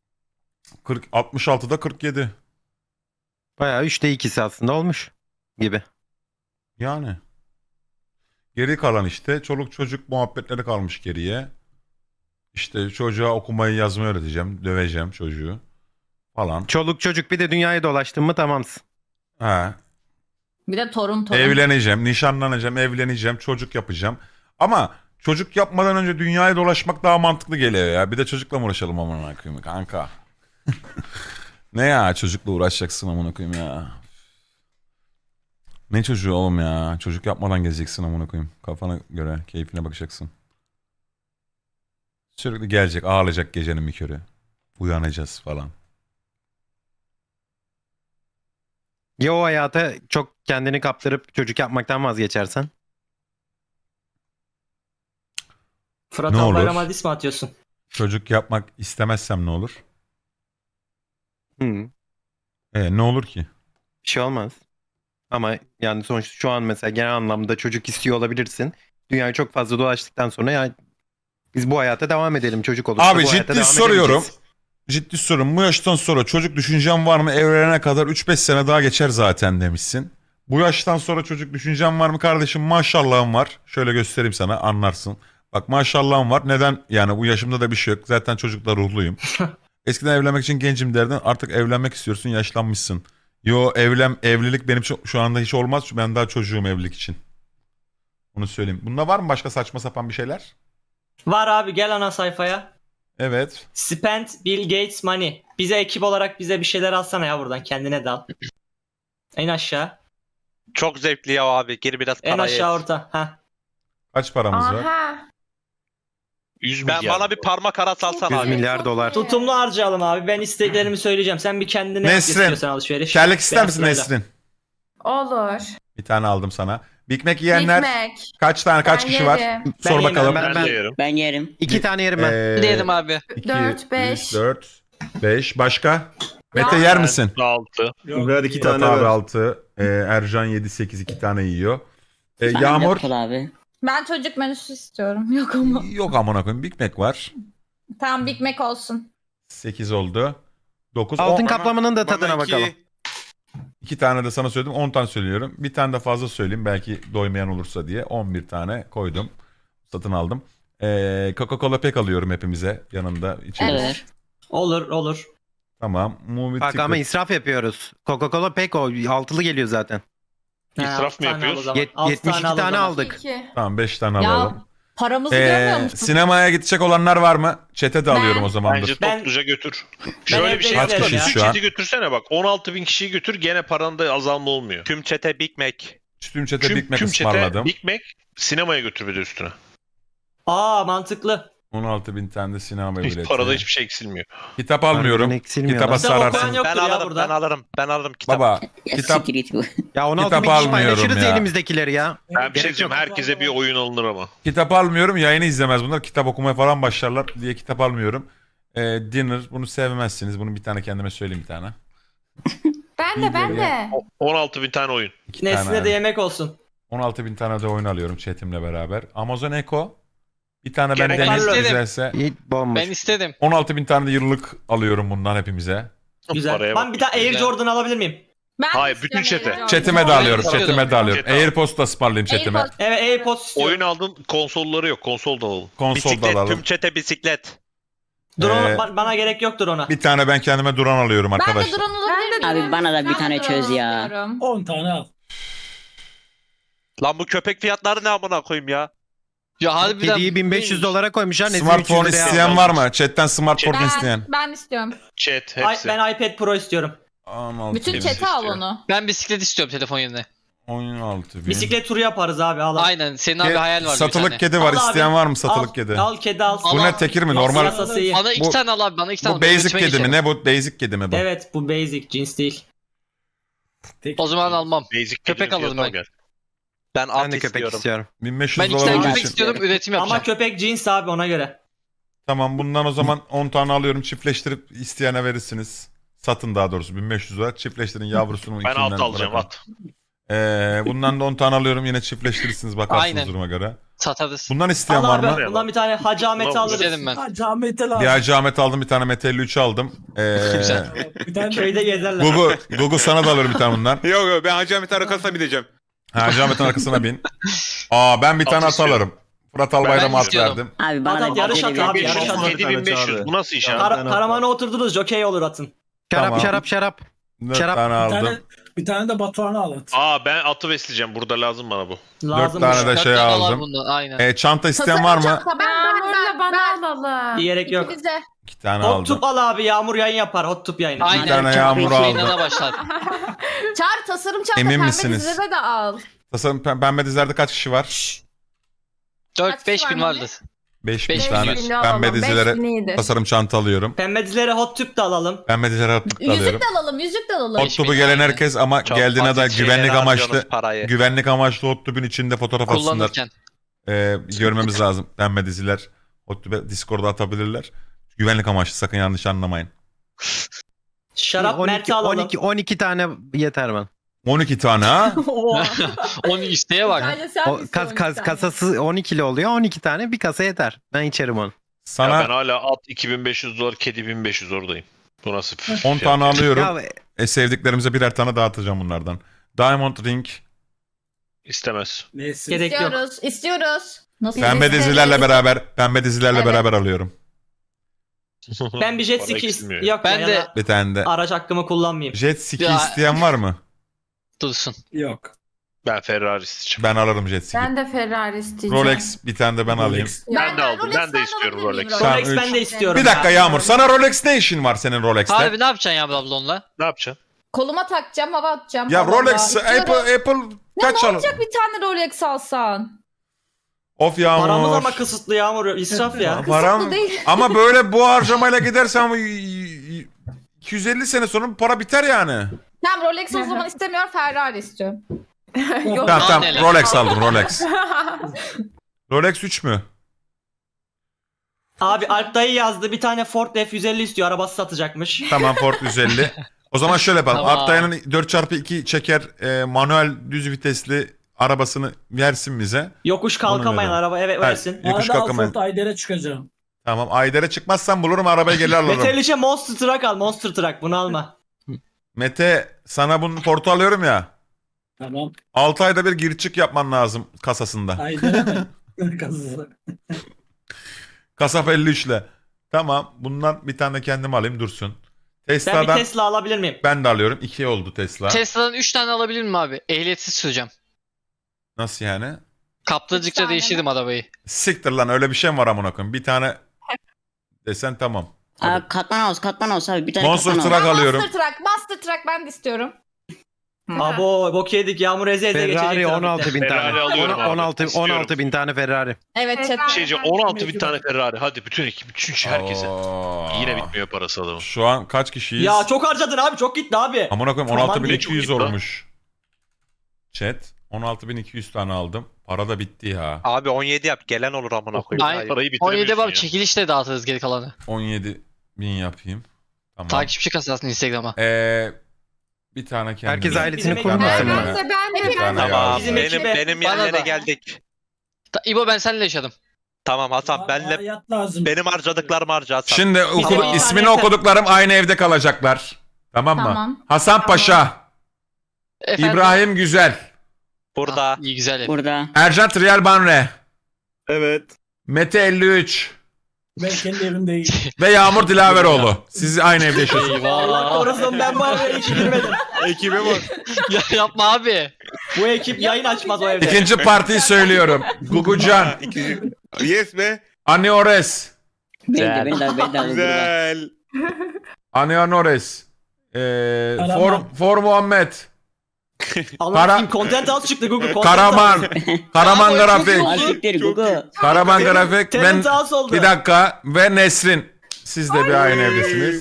[SPEAKER 1] 66'da 47.
[SPEAKER 4] Bayağı 3'te 2'si aslında olmuş gibi.
[SPEAKER 1] Yani. Geri kalan işte çoluk çocuk muhabbetleri kalmış geriye. İşte çocuğa okumayı yazmayı öğreteceğim. Döveceğim çocuğu. Falan.
[SPEAKER 4] Çoluk çocuk, bir de dünyayı dolaştın mı tamamsın.
[SPEAKER 1] Ha.
[SPEAKER 6] Bir de torun.
[SPEAKER 1] Evleneceğim, nişanlanacağım, evleneceğim, çocuk yapacağım. Ama çocuk yapmadan önce dünyayı dolaşmak daha mantıklı geliyor ya. Bir de çocukla mı uğraşalım amına koyayım kanka? Ne ya çocukla uğraşacaksın amına koyayım ya. Ne çocuğu oğlum ya? Çocuk yapmadan gezeceksin amına koyayım. Kafana göre, keyfine bakacaksın. Sürekli gelecek, ağlayacak gecenin bir körü. Uyanacağız falan.
[SPEAKER 4] Ya o hayata çok kendini kaptırıp çocuk yapmaktan vazgeçersen?
[SPEAKER 2] Fırat
[SPEAKER 1] Ne olur?
[SPEAKER 2] Albayram'a diss mi atıyorsun?
[SPEAKER 1] Çocuk yapmak istemezsem ne olur?
[SPEAKER 4] Hı,
[SPEAKER 1] Ne olur ki?
[SPEAKER 4] bir şey olmaz. Ama yani sonuçta şu an mesela genel anlamda çocuk istiyor olabilirsin. Dünyayı çok fazla dolaştıktan sonra ya biz bu hayata devam edelim, çocuk olursa
[SPEAKER 1] Abi
[SPEAKER 4] bu hayata
[SPEAKER 1] ciddi
[SPEAKER 4] devam
[SPEAKER 1] soruyorum.
[SPEAKER 4] edemeyeceğiz.
[SPEAKER 1] Ciddi sorum. Bu yaştan sonra çocuk düşüncem var mı? Evlenene kadar 3-5 sene daha geçer zaten demişsin. Bu yaştan sonra çocuk düşüncem var mı kardeşim? Maşallahım var. Şöyle göstereyim sana anlarsın. Bak maşallahım var. Neden? Yani bu yaşımda da bir şey yok. Zaten çocukla ruhluyum. Eskiden evlenmek için gencim derdin. Artık evlenmek istiyorsun. Yaşlanmışsın. Yo evlilik benim şu anda hiç olmaz. Çünkü ben daha çocuğum evlilik için. Onu söyleyeyim. Bunda var mı başka saçma sapan bir şeyler?
[SPEAKER 2] Var abi gel ana sayfaya.
[SPEAKER 1] Evet.
[SPEAKER 2] Spend Bill Gates money. Bize ekip olarak bize bir şeyler alsana ya buradan kendine de al. En aşağı.
[SPEAKER 8] Çok zevkli ya abi. Gir biraz
[SPEAKER 2] En
[SPEAKER 8] parayı.
[SPEAKER 2] aşağı orta. Ha.
[SPEAKER 1] Kaç paramız var?
[SPEAKER 6] Aha.
[SPEAKER 3] 100
[SPEAKER 8] Ben
[SPEAKER 3] milyar.
[SPEAKER 8] bana bir parmak arası alsana
[SPEAKER 4] 100
[SPEAKER 8] abi.
[SPEAKER 4] milyar dolar.
[SPEAKER 2] Tutumlu harcayalım abi. Ben isteklerimi söyleyeceğim. Sen bir kendine yap
[SPEAKER 1] Nesrin.
[SPEAKER 2] istiyorsan alışveriş.
[SPEAKER 1] Kellik ister
[SPEAKER 2] Ben
[SPEAKER 1] misin
[SPEAKER 2] sırayla.
[SPEAKER 1] Nesrin?
[SPEAKER 6] Olur.
[SPEAKER 1] Bir tane aldım sana. Big Mac yiyenler
[SPEAKER 6] Big Mac.
[SPEAKER 1] kaç tane kaç
[SPEAKER 6] Ben
[SPEAKER 1] kişi var?
[SPEAKER 6] yerim.
[SPEAKER 2] Ben
[SPEAKER 1] Sor
[SPEAKER 2] yemem.
[SPEAKER 1] bakalım.
[SPEAKER 3] Ben de yerim.
[SPEAKER 9] Ben yerim.
[SPEAKER 4] 2 tane yerim ben.
[SPEAKER 5] Diyelim abi.
[SPEAKER 6] 4, 5.
[SPEAKER 1] 4, 5. Başka? Mete yer misin?
[SPEAKER 3] 6.
[SPEAKER 7] Yok.
[SPEAKER 10] iki
[SPEAKER 1] Murat
[SPEAKER 10] tane
[SPEAKER 1] abi
[SPEAKER 10] ver.
[SPEAKER 1] 6. Ercan 7, 8 2 tane yiyor.
[SPEAKER 9] Ben
[SPEAKER 1] Yağmur.
[SPEAKER 9] Yapıl abi.
[SPEAKER 6] Ben çocuk menüsü istiyorum. Yok ama.
[SPEAKER 1] Yok amına koyayım. Big Mac var.
[SPEAKER 6] Tamam, Big Mac olsun.
[SPEAKER 1] 8 oldu. 9,
[SPEAKER 4] Altın
[SPEAKER 1] 10.
[SPEAKER 4] kaplamanın da tadına
[SPEAKER 10] Bana iki-
[SPEAKER 4] bakalım.
[SPEAKER 1] 2 tane de sana söyledim. 10 tane söylüyorum. Bir tane de fazla söyleyeyim. Belki doymayan olursa diye. 11 tane koydum. Satın aldım. Coca-Cola pek alıyorum hepimize. Yanında içeriz.
[SPEAKER 9] Evet.
[SPEAKER 2] Olur olur.
[SPEAKER 1] Tamam. Movie
[SPEAKER 4] Bak ama
[SPEAKER 1] ticket.
[SPEAKER 4] israf yapıyoruz. Coca-Cola pek o altılı geliyor zaten.
[SPEAKER 3] İsraf
[SPEAKER 2] altı
[SPEAKER 3] mı
[SPEAKER 2] tane al o
[SPEAKER 3] yapıyoruz?
[SPEAKER 2] zaman.
[SPEAKER 4] 72
[SPEAKER 2] al o
[SPEAKER 4] tane
[SPEAKER 2] zaman.
[SPEAKER 4] aldık.
[SPEAKER 6] 2.
[SPEAKER 1] Tamam 5 tane
[SPEAKER 6] Ya,
[SPEAKER 1] alalım.
[SPEAKER 6] Paramızı görmüyor musun?
[SPEAKER 1] Sinemaya gidecek olanlar var mı? Chat'e de alıyorum o zaman.
[SPEAKER 3] Bence
[SPEAKER 1] dur.
[SPEAKER 2] Ben-
[SPEAKER 3] topluca götür.
[SPEAKER 2] evde
[SPEAKER 3] Şöyle bir şey
[SPEAKER 2] izlerim
[SPEAKER 3] yapalım.
[SPEAKER 1] ya.
[SPEAKER 3] Bütün
[SPEAKER 1] Şu an.
[SPEAKER 3] chat'i götürsene bak. 16.000 kişiyi götür gene paranda azalma olmuyor.
[SPEAKER 8] Tüm çete Big Mac.
[SPEAKER 1] Tüm çete Big Mac
[SPEAKER 3] Tüm çete
[SPEAKER 1] ısmarladım.
[SPEAKER 3] Big Mac sinemaya götür bir de üstüne.
[SPEAKER 2] Aa mantıklı.
[SPEAKER 1] 16.000 tane de sinema
[SPEAKER 3] Hiç
[SPEAKER 1] bileti.
[SPEAKER 3] parada hiçbir şey eksilmiyor.
[SPEAKER 1] Kitap almıyorum.
[SPEAKER 4] Harbiden eksilmiyor
[SPEAKER 1] Kitaba
[SPEAKER 4] lan.
[SPEAKER 2] Kitap okuyan
[SPEAKER 1] sararsın.
[SPEAKER 2] yoktur
[SPEAKER 8] Ben
[SPEAKER 2] ya
[SPEAKER 8] alırım,
[SPEAKER 2] burada.
[SPEAKER 8] ben alırım kitap.
[SPEAKER 1] Baba
[SPEAKER 9] Ya
[SPEAKER 1] kitap
[SPEAKER 9] siktir git bu.
[SPEAKER 4] Ya 16
[SPEAKER 1] Kitap
[SPEAKER 4] bin kişi
[SPEAKER 1] almıyorum
[SPEAKER 4] paylaşırız
[SPEAKER 1] ya.
[SPEAKER 4] elimizdekileri ya.
[SPEAKER 3] Ben bir şey
[SPEAKER 4] Gerek
[SPEAKER 3] diyeceğim.
[SPEAKER 4] yok.
[SPEAKER 3] Herkese bir oyun alınır ama.
[SPEAKER 1] kitap almıyorum. Yayını izlemez bunlar. Kitap okumaya falan başlarlar diye kitap almıyorum. Dinner bunu sevmezsiniz. Bunu bir tane kendime söyleyeyim bir tane.
[SPEAKER 10] Ben de.
[SPEAKER 3] 16.000 tane oyun.
[SPEAKER 1] 2 tane.
[SPEAKER 2] Nesline de yemek olsun.
[SPEAKER 1] 16.000 tane de oyun alıyorum chatimle beraber. Amazon Echo. Bir tane ben
[SPEAKER 3] Gerek
[SPEAKER 1] Deniz
[SPEAKER 2] yok.
[SPEAKER 1] güzelse.
[SPEAKER 4] İyi bomboş.
[SPEAKER 5] Ben istedim.
[SPEAKER 1] 16.000 tane de yıllık alıyorum bundan hepimize.
[SPEAKER 2] Güzel.
[SPEAKER 3] Paraya
[SPEAKER 2] Ben
[SPEAKER 3] bak.
[SPEAKER 2] bir tane Air
[SPEAKER 5] Güzel.
[SPEAKER 2] Jordan alabilir miyim?
[SPEAKER 10] Ben
[SPEAKER 3] Hayır,
[SPEAKER 10] de
[SPEAKER 3] bütün
[SPEAKER 10] istiyorum
[SPEAKER 3] chat'e.
[SPEAKER 10] Air
[SPEAKER 1] Chatime de
[SPEAKER 10] Jordan.
[SPEAKER 1] alıyorum.
[SPEAKER 5] istiyordum.
[SPEAKER 1] Chatime de alıyorum.
[SPEAKER 3] Chat al.
[SPEAKER 1] AirPods da ısmarlayayım chatime.
[SPEAKER 10] AirPods.
[SPEAKER 2] Evet AirPods istiyorum.
[SPEAKER 3] Oyun aldın, konsolları yok. Konsol da alalım.
[SPEAKER 1] Konsol da
[SPEAKER 8] Bisiklet,
[SPEAKER 1] alalım.
[SPEAKER 8] tüm çete bisiklet.
[SPEAKER 2] Drone
[SPEAKER 1] Ee,
[SPEAKER 2] bana gerek yoktur ona.
[SPEAKER 1] Bir tane ben kendime drone alıyorum
[SPEAKER 10] Ben de
[SPEAKER 1] arkadaşlar.
[SPEAKER 10] drone alabilir miyim?
[SPEAKER 9] Abi bana da bir
[SPEAKER 10] Ben
[SPEAKER 9] tane
[SPEAKER 10] de
[SPEAKER 9] çöz
[SPEAKER 10] drone
[SPEAKER 9] ya.
[SPEAKER 10] istiyorum.
[SPEAKER 7] 10 tane al.
[SPEAKER 8] Lan bu köpek fiyatları ne amına koyayım ya?
[SPEAKER 5] Ya harbiden.
[SPEAKER 4] Kediyi 1500 dolara koymuşlar. Nezih
[SPEAKER 1] Smartphone
[SPEAKER 4] 300 liraya
[SPEAKER 1] isteyen
[SPEAKER 4] aldı.
[SPEAKER 1] var mı? Chatten smartphone isteyen.
[SPEAKER 10] Ben istiyorum.
[SPEAKER 3] Chat hepsi.
[SPEAKER 2] Ben iPad Pro istiyorum.
[SPEAKER 1] 16
[SPEAKER 10] Bütün
[SPEAKER 3] Hepsi
[SPEAKER 10] chat'e al
[SPEAKER 3] istiyor.
[SPEAKER 10] onu.
[SPEAKER 5] Ben bisiklet istiyorum telefon yerine.
[SPEAKER 1] 16 bin.
[SPEAKER 2] Bisiklet turu yaparız abi al.
[SPEAKER 5] Aynen. Senin abi hayal var bir
[SPEAKER 1] Satılık
[SPEAKER 5] tane.
[SPEAKER 1] kedi var.
[SPEAKER 2] Al abi.
[SPEAKER 1] İsteyen var mı satılık
[SPEAKER 2] Al,
[SPEAKER 1] kedi?
[SPEAKER 2] Al kedi al.
[SPEAKER 1] Bu
[SPEAKER 5] Al
[SPEAKER 1] ne
[SPEAKER 5] abi.
[SPEAKER 1] tekir mi?
[SPEAKER 2] Yoksa
[SPEAKER 1] Normal.
[SPEAKER 2] yasası iyi.
[SPEAKER 5] Bana iki
[SPEAKER 1] Bu-
[SPEAKER 5] tane al abi. Bana iki tane
[SPEAKER 1] Bu
[SPEAKER 5] al.
[SPEAKER 1] basic
[SPEAKER 5] Üretime
[SPEAKER 1] kedi mi?
[SPEAKER 5] geçelim.
[SPEAKER 1] Ne bu? Basic kedi mi bu?
[SPEAKER 2] Evet bu basic cins değil.
[SPEAKER 7] Tek-
[SPEAKER 5] O zaman almam.
[SPEAKER 3] Basic
[SPEAKER 5] Köpek
[SPEAKER 3] kedinin
[SPEAKER 5] alalım
[SPEAKER 3] fiyatı
[SPEAKER 5] ben.
[SPEAKER 3] al gel.
[SPEAKER 8] Ben at
[SPEAKER 4] Ben de köpek
[SPEAKER 8] istiyorum.
[SPEAKER 4] istiyorum.
[SPEAKER 1] 1500
[SPEAKER 5] Ben iki
[SPEAKER 1] dolar
[SPEAKER 5] tane
[SPEAKER 1] olduğu
[SPEAKER 5] köpek
[SPEAKER 1] için.
[SPEAKER 5] istiyorum. Üretim yapacağım.
[SPEAKER 2] Ama köpek cins abi ona göre.
[SPEAKER 1] Tamam bundan o zaman 10 tane alıyorum. Çiftleştirip isteyene verirsiniz. Satın daha doğrusu 1500 dolar. Çiftleştirin yavrusunu
[SPEAKER 3] Ben
[SPEAKER 1] içinden
[SPEAKER 3] at alacağım
[SPEAKER 1] bırakın.
[SPEAKER 3] at.
[SPEAKER 1] Bundan da 10 tane alıyorum. Yine çiftleştirirsiniz bakarsınız
[SPEAKER 5] Aynen.
[SPEAKER 1] duruma göre.
[SPEAKER 5] Satarız.
[SPEAKER 1] Bundan isteyen
[SPEAKER 2] Al
[SPEAKER 1] var
[SPEAKER 2] abi
[SPEAKER 1] mı?
[SPEAKER 2] bundan bir tane Hacı Ahmet'i
[SPEAKER 3] Ulan,
[SPEAKER 2] alırız.
[SPEAKER 5] İstedim ben.
[SPEAKER 7] Ha Ahmet'e lazım.
[SPEAKER 1] Bir Hacı Ahmet aldım. Bir tane Mete 53 aldım.
[SPEAKER 5] Güzel.
[SPEAKER 7] Bir tane
[SPEAKER 2] Köyde gezerler.
[SPEAKER 1] Gugu sana da alırım bir tane bundan.
[SPEAKER 11] Yok yok ben Hacı Ahmet'in arkasına bineceğim.
[SPEAKER 1] Hacı Ahmet'in arkasına bin. Ben bir tane at
[SPEAKER 3] istiyorum.
[SPEAKER 1] alırım. Fırat Albayrak'a
[SPEAKER 5] Ben
[SPEAKER 1] at
[SPEAKER 5] istiyordum.
[SPEAKER 1] verdim.
[SPEAKER 9] Abi bana
[SPEAKER 2] Adam
[SPEAKER 9] da
[SPEAKER 2] yarış
[SPEAKER 9] bir
[SPEAKER 2] atı
[SPEAKER 9] tane
[SPEAKER 2] abi,
[SPEAKER 9] ver.
[SPEAKER 2] yarış atı.
[SPEAKER 3] 7500 bu nasıl iş abi?
[SPEAKER 2] Karamana oturdunuz jokey olur atın.
[SPEAKER 4] Şarap
[SPEAKER 1] Tamam.
[SPEAKER 4] şarap şarap.
[SPEAKER 1] 4
[SPEAKER 4] Şarap.
[SPEAKER 1] tane
[SPEAKER 7] bir
[SPEAKER 1] aldım.
[SPEAKER 7] tane, bir tane de Batuhan'ı al at.
[SPEAKER 3] Aa ben atı besleyeceğim. Burada lazım bana bu.
[SPEAKER 1] 4
[SPEAKER 2] Lazım.
[SPEAKER 1] tane de
[SPEAKER 5] Dört
[SPEAKER 1] şey
[SPEAKER 5] tane al
[SPEAKER 1] aldım.
[SPEAKER 5] bundan, Aynen.
[SPEAKER 1] Çanta isteyen var mı?
[SPEAKER 10] Çanta ben bana alalım.
[SPEAKER 2] Gerek yok.
[SPEAKER 10] Bize.
[SPEAKER 1] 2 tane
[SPEAKER 2] Hot
[SPEAKER 1] aldım.
[SPEAKER 2] tube al abi Yağmur yayın yapar hot tube yayını.
[SPEAKER 5] Aynen.
[SPEAKER 1] tane yağmur
[SPEAKER 5] Yayına
[SPEAKER 1] aldım.
[SPEAKER 5] da başlar.
[SPEAKER 10] Çağır tasarım çanta
[SPEAKER 1] Emin
[SPEAKER 10] pembe
[SPEAKER 1] misiniz?
[SPEAKER 10] dizilere de al.
[SPEAKER 1] Tasarım pembe dizilerde kaç kişi var?
[SPEAKER 5] 4-5 bin
[SPEAKER 10] var
[SPEAKER 5] vardır.
[SPEAKER 1] 5000
[SPEAKER 5] Beş
[SPEAKER 1] tane.
[SPEAKER 5] bin
[SPEAKER 1] Pembe dizilere tasarım çanta alıyorum.
[SPEAKER 2] Pembe dizilere hot tube de alalım.
[SPEAKER 1] Pembe dizilere hot tube da
[SPEAKER 10] Yüzük
[SPEAKER 1] alıyorum.
[SPEAKER 10] de alalım, yüzük de alalım.
[SPEAKER 1] Hot tube'u gelen herkes ama
[SPEAKER 8] Çok
[SPEAKER 1] geldiğine de
[SPEAKER 8] basit şeylere
[SPEAKER 1] güvenlik amaçlı
[SPEAKER 8] harcıyorsunuz parayı.
[SPEAKER 1] güvenlik amaçlı hot tube'un içinde fotoğraf atsınlar.
[SPEAKER 5] Kullanırken.
[SPEAKER 1] Görmemiz lazım. Pembe diziler hot tube Discord'a atabilirler. Güvenlik amaçlı sakın yanlış anlamayın.
[SPEAKER 2] Şarap Mert'i alalım.
[SPEAKER 4] 12 tane yeter bana.
[SPEAKER 1] 12 tane ha?
[SPEAKER 5] Onu isteğe bak.
[SPEAKER 10] Sadece sen
[SPEAKER 4] O
[SPEAKER 10] istiyorsun bir tane.
[SPEAKER 4] kasası 12'li oluyor. 12 tane bir kasa yeter. Ben içerim onu.
[SPEAKER 3] Ya
[SPEAKER 1] Sana
[SPEAKER 3] ben hala at 2500 dolar, kedi 1500 oradayım. Bu nasıl?
[SPEAKER 1] 10 tane alıyorum.
[SPEAKER 4] Ya
[SPEAKER 1] Sevdiklerimize birer tane dağıtacağım bunlardan. Diamond Ring.
[SPEAKER 3] İstemez.
[SPEAKER 7] Neyse.
[SPEAKER 2] Gerek yok.
[SPEAKER 10] İstiyoruz. Nasıl
[SPEAKER 1] Pembe
[SPEAKER 10] isteriz?
[SPEAKER 1] dizilerle
[SPEAKER 10] Evet.
[SPEAKER 1] beraber alıyorum.
[SPEAKER 2] Ben bir jet
[SPEAKER 3] Bana
[SPEAKER 2] ski
[SPEAKER 3] eksilmiyor.
[SPEAKER 2] yok
[SPEAKER 5] Ben
[SPEAKER 2] ya
[SPEAKER 5] de-
[SPEAKER 2] da
[SPEAKER 1] Bir tane de.
[SPEAKER 2] araç hakkımı kullanmayayım.
[SPEAKER 1] Jet ski
[SPEAKER 5] Ya-
[SPEAKER 1] isteyen var mı?
[SPEAKER 5] Dursun.
[SPEAKER 7] Yok.
[SPEAKER 3] Ben Ferrari isteyeceğim.
[SPEAKER 1] Ben alırım jet ski.
[SPEAKER 10] de Ferrari isteyeceğim.
[SPEAKER 1] Rolex bir tane de ben alayım.
[SPEAKER 3] Ben de aldım.
[SPEAKER 10] Rolex
[SPEAKER 3] Ben de istiyorum
[SPEAKER 10] alabilir miyim
[SPEAKER 3] Rolex.
[SPEAKER 1] Tamam,
[SPEAKER 2] Rolex ben de istiyorum.
[SPEAKER 1] Bir dakika
[SPEAKER 2] ya.
[SPEAKER 1] Yağmur. Sana Rolex ne işin var senin Rolex'te?
[SPEAKER 5] Abi ne yapacaksın ya abla onunla?
[SPEAKER 3] Ne yapacaksın?
[SPEAKER 10] Koluma takacağım, hava atacağım.
[SPEAKER 1] Ya
[SPEAKER 10] Allah
[SPEAKER 1] Rolex,
[SPEAKER 10] Allah.
[SPEAKER 1] Apple
[SPEAKER 10] Ne
[SPEAKER 1] kaç al?
[SPEAKER 10] olacak bir tane Rolex alsan?
[SPEAKER 1] Of Yağmur.
[SPEAKER 2] Paramız ama kısıtlı Yağmur israf ya.
[SPEAKER 1] Param
[SPEAKER 10] Kısıtlı değil.
[SPEAKER 1] ama böyle bu harcamayla gidersen 250 sene sonra bu para biter yani.
[SPEAKER 10] Tamam Rolex o zaman istemiyor, Ferrari istiyorum. Yok.
[SPEAKER 1] Tamam tamam
[SPEAKER 5] neler.
[SPEAKER 1] Rolex aldım Rolex. Rolex 3 mü?
[SPEAKER 2] Abi Alp dayı yazdı bir tane Ford F-150 istiyor arabası satacakmış.
[SPEAKER 1] Tamam Ford 150. O zaman şöyle yapalım.
[SPEAKER 5] Tamam.
[SPEAKER 1] Alptay'ın 4x2 çeker manuel düz vitesli arabasını versin bize.
[SPEAKER 2] Yokuş kalkamayan
[SPEAKER 1] Onu
[SPEAKER 2] araba evet
[SPEAKER 1] Evet.
[SPEAKER 2] öylesin.
[SPEAKER 1] Yokuş
[SPEAKER 7] Arada
[SPEAKER 1] kalkamayın.
[SPEAKER 7] Alfort Ayder'e çıkacağım.
[SPEAKER 1] Tamam Ayder'e çıkmazsan bulurum arabayı gelir alırım.
[SPEAKER 2] Metaliçe Monster Truck al Monster Truck bunu alma.
[SPEAKER 1] Mete sana bunu portu alıyorum ya.
[SPEAKER 7] Tamam.
[SPEAKER 1] 6 ayda bir gir çık yapman lazım kasasında.
[SPEAKER 7] Ayder'e mi? Kazısı.
[SPEAKER 1] Kasap 53 ile. Tamam bundan bir tane kendim alayım dursun.
[SPEAKER 2] Ben bir
[SPEAKER 1] Tesla'dan
[SPEAKER 2] Tesla alabilir miyim?
[SPEAKER 1] ben de alıyorum. 2 oldu Tesla.
[SPEAKER 5] Tesla'dan 3 tane alabilir miyim abi? Ehliyetsiz süreceğim.
[SPEAKER 1] Nasıl yani?
[SPEAKER 5] Kaptırdıkça
[SPEAKER 10] tane
[SPEAKER 5] değiştirdim arabayı.
[SPEAKER 1] Siktir lan öyle bir şey mi var amına koyayım? Bir tane desen tamam.
[SPEAKER 9] Katlan olsun abi. Bir tane
[SPEAKER 1] Monster
[SPEAKER 9] katlan
[SPEAKER 1] Truck
[SPEAKER 9] olsun.
[SPEAKER 1] alıyorum.
[SPEAKER 10] Master Truck ben de istiyorum.
[SPEAKER 2] Abo bok yedik. Yağmur eze eze geçecek.
[SPEAKER 4] Ferrari
[SPEAKER 2] trafikte.
[SPEAKER 4] 16 bin
[SPEAKER 3] Ferrari
[SPEAKER 4] tane.
[SPEAKER 3] alıyorum abi.
[SPEAKER 4] 16 bin tane Ferrari.
[SPEAKER 10] Evet chat.
[SPEAKER 3] Bir şey diyeceğim 16 bin tane Ferrari. Hadi bütün ekip, bütün herkese.
[SPEAKER 1] Aa.
[SPEAKER 3] Yine bitmiyor parası adamın.
[SPEAKER 1] Şu an kaç kişiyiz?
[SPEAKER 2] Ya çok harcadın abi. Çok gitti abi.
[SPEAKER 1] Amına koyayım
[SPEAKER 2] Aman
[SPEAKER 1] 16.200
[SPEAKER 3] çok iyi lan.
[SPEAKER 1] olmuş. Chat 16.200 tane aldım. Para da bitti ya.
[SPEAKER 8] Abi 17 yap. Gelen olur amına koyayım.
[SPEAKER 5] Ay-
[SPEAKER 8] Hayır.
[SPEAKER 3] Parayı
[SPEAKER 5] 17
[SPEAKER 3] bitiremiyorsun
[SPEAKER 5] abi
[SPEAKER 3] ya.
[SPEAKER 5] çekilişle dağıtırız geri kalanı.
[SPEAKER 1] 17.000 yapayım. Tamam.
[SPEAKER 5] Takipçi kasasını Instagram'a.
[SPEAKER 1] Bir tane kendime.
[SPEAKER 4] Herkes ailesini
[SPEAKER 2] Bizim
[SPEAKER 4] kurmasın
[SPEAKER 1] ekibime-
[SPEAKER 4] mı?
[SPEAKER 10] Ben de
[SPEAKER 1] Bir tane
[SPEAKER 8] Tamam.
[SPEAKER 1] yazdım.
[SPEAKER 2] Bizim
[SPEAKER 8] Benim,
[SPEAKER 2] ekibe-
[SPEAKER 8] benim
[SPEAKER 5] Bana
[SPEAKER 8] yerlere
[SPEAKER 5] da.
[SPEAKER 8] geldik.
[SPEAKER 5] İbo ben seninle yaşadım.
[SPEAKER 8] Tamam Hasan benle
[SPEAKER 7] Hayat lazım.
[SPEAKER 8] benim harcadıklarımı harca Hasan.
[SPEAKER 1] Şimdi
[SPEAKER 2] Bizim bir
[SPEAKER 1] ismini
[SPEAKER 2] tane-
[SPEAKER 1] okuduklarım aynı evde kalacaklar. Tamam mı?
[SPEAKER 10] Tamam.
[SPEAKER 1] Hasan Paşa,
[SPEAKER 5] Efendim?
[SPEAKER 1] İbrahim Güzel,
[SPEAKER 8] Burada.
[SPEAKER 5] İyi güzel.
[SPEAKER 9] Burada.
[SPEAKER 1] Ercan Trial Banre,
[SPEAKER 11] Evet.
[SPEAKER 1] Mete 53
[SPEAKER 7] Ben kendi evimdeyim.
[SPEAKER 1] ve Yağmur Dilaveroğlu. Siz aynı evde yaşıyorsunuz.
[SPEAKER 2] Allah
[SPEAKER 5] Eyvah.
[SPEAKER 2] korusun ben bu araya hiç girmedim.
[SPEAKER 11] Ekibe bak.
[SPEAKER 5] Ya yapma abi.
[SPEAKER 2] Bu ekip yayın açmaz o evde.
[SPEAKER 1] İkinci partiyi söylüyorum. Gugucan,
[SPEAKER 11] Yes be.
[SPEAKER 1] Ani Ores,
[SPEAKER 9] Beni de burada.
[SPEAKER 11] Güzel.
[SPEAKER 1] Ani Ores,
[SPEAKER 7] Karaman.
[SPEAKER 1] For Muhammed,
[SPEAKER 2] Allah'ım content house çıktı Google. Content
[SPEAKER 1] Karaman, Karaman Grafik,
[SPEAKER 9] Asiktir
[SPEAKER 11] Çok
[SPEAKER 9] Gugu.
[SPEAKER 1] Karaman Grafik, ben
[SPEAKER 2] Talent house oldu.
[SPEAKER 1] bir dakika ve Nesrin. Siz de bir aynı evdesiniz.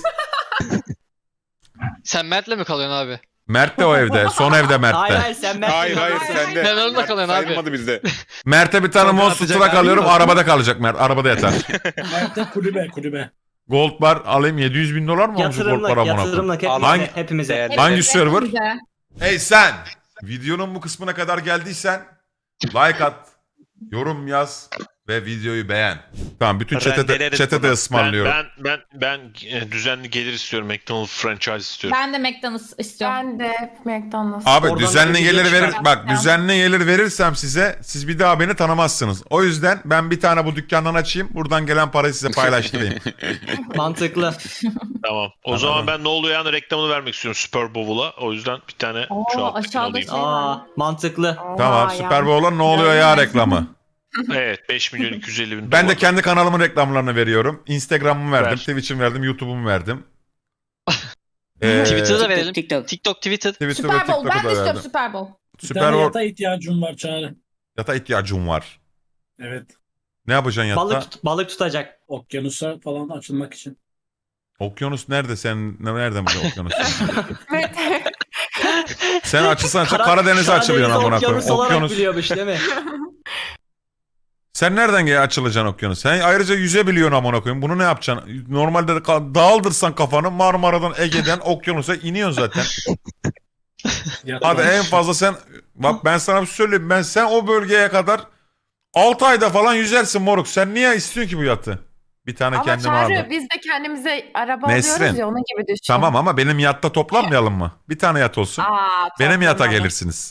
[SPEAKER 5] Sen Mert'le mi kalıyorsun abi?
[SPEAKER 1] Mert de o evde. Son evde
[SPEAKER 2] Hayır
[SPEAKER 1] Mert'te.
[SPEAKER 2] hayır sen ben.
[SPEAKER 11] Hayır sende.
[SPEAKER 5] Ben orada kalıyorum abi.
[SPEAKER 11] Sayılmadı bizde.
[SPEAKER 1] Mert'e bir tane
[SPEAKER 4] Sonra
[SPEAKER 1] Monster
[SPEAKER 4] atacak
[SPEAKER 1] Truck
[SPEAKER 4] abi
[SPEAKER 1] alıyorum.
[SPEAKER 4] mi?
[SPEAKER 1] Arabada kalacak Mert. Arabada yatar.
[SPEAKER 7] Nerede kulübe.
[SPEAKER 1] Gold bar alayım. 700 bin dolar mı olmuş gold bar
[SPEAKER 2] Yatırımlık
[SPEAKER 1] amına koyayım?
[SPEAKER 2] yatırımlık
[SPEAKER 1] Hangi-
[SPEAKER 2] hepimize.
[SPEAKER 8] Değerli.
[SPEAKER 1] Hangi server?
[SPEAKER 10] Güzel.
[SPEAKER 1] Hey sen! Videonun bu kısmına kadar geldiysen like at, yorum yaz ve videoyu beğen. Tamam bütün
[SPEAKER 8] Rendeleriz
[SPEAKER 1] chat'e de
[SPEAKER 8] bunu.
[SPEAKER 1] ısmarlıyorum.
[SPEAKER 3] Ben düzenli gelir istiyorum. McDonald's franchise istiyorum.
[SPEAKER 10] Ben de McDonald's istiyorum.
[SPEAKER 12] Ben de McDonald's.
[SPEAKER 1] Abi
[SPEAKER 2] Oradan
[SPEAKER 1] düzenli
[SPEAKER 2] bir video
[SPEAKER 1] gelir verir.
[SPEAKER 2] çıkar.
[SPEAKER 1] Bak düzenli gelir verirsem size siz bir daha beni tanımazsınız. O yüzden ben bir tane bu dükkandan açayım. Buradan gelen parayı size paylaştırayım.
[SPEAKER 2] Mantıklı.
[SPEAKER 3] Tamam. O
[SPEAKER 1] Anladım.
[SPEAKER 3] zaman ben ne oluyor yani reklamını vermek istiyorum Super Bowl'a. O yüzden bir tane şu
[SPEAKER 10] Oo,
[SPEAKER 3] an
[SPEAKER 10] aşağıda
[SPEAKER 3] alayım.
[SPEAKER 10] şey-
[SPEAKER 2] Aa mantıklı.
[SPEAKER 1] Tamam Süper Bowl'a ne oluyor ya reklamı.
[SPEAKER 3] Evet 5 milyon 250 bin
[SPEAKER 1] Ben de
[SPEAKER 3] dolar.
[SPEAKER 1] kendi kanalımın reklamlarını veriyorum. Instagram'ımı verdim,
[SPEAKER 3] Ver.
[SPEAKER 1] Twitch'imi verdim, YouTube'umu verdim.
[SPEAKER 5] Twitter'da da verelim.
[SPEAKER 9] TikTok.
[SPEAKER 5] TikTok, Twitter.
[SPEAKER 1] Twitter ve
[SPEAKER 10] Super Bowl.
[SPEAKER 1] TikTok'u
[SPEAKER 10] Ben de
[SPEAKER 1] da
[SPEAKER 10] istiyorum
[SPEAKER 1] verdim.
[SPEAKER 10] Super Bowl.
[SPEAKER 7] Bir
[SPEAKER 1] Süper
[SPEAKER 7] tane
[SPEAKER 1] Bowl
[SPEAKER 7] yata ihtiyacım var Çağrı.
[SPEAKER 1] yata ihtiyacım var.
[SPEAKER 7] Evet.
[SPEAKER 1] Ne yapacaksın yatta?
[SPEAKER 2] Balık tutacak.
[SPEAKER 7] Okyanusa falan açılmak için.
[SPEAKER 1] Okyanus nerede sen? Nereden biliyorsun okyanusu?
[SPEAKER 12] Evet.
[SPEAKER 1] Sen açılsan Karadeniz'e açılıyorsun amına koyayım.
[SPEAKER 2] Okyanus olarak
[SPEAKER 1] Okyanus.
[SPEAKER 2] biliyormuş değil mi?
[SPEAKER 1] Sen nereden açılacaksın okyanus? Sen ayrıca yüzebiliyorsun amına koyayım. Bunu ne yapacaksın? Normalde de dağıldırsan kafanı Marmara'dan Ege'den okyanusa iniyorsun zaten.
[SPEAKER 7] Yata
[SPEAKER 1] Hadi en fazla sen bak ben sana bir şey söyleyeyim. Sen o bölgeye kadar 6 ayda falan yüzersin moruk. Sen niye istiyorsun ki bu yatı? Bir tane
[SPEAKER 12] Ama
[SPEAKER 1] kendime
[SPEAKER 12] Çağrı
[SPEAKER 1] aldım.
[SPEAKER 12] biz de kendimize araba
[SPEAKER 1] Nesrin.
[SPEAKER 12] alıyoruz ya onun gibi düşün.
[SPEAKER 1] Tamam ama benim yatta toplanmayalım mı? Bir tane yat olsun. Benim yata
[SPEAKER 12] toplanalım.
[SPEAKER 1] gelirsiniz.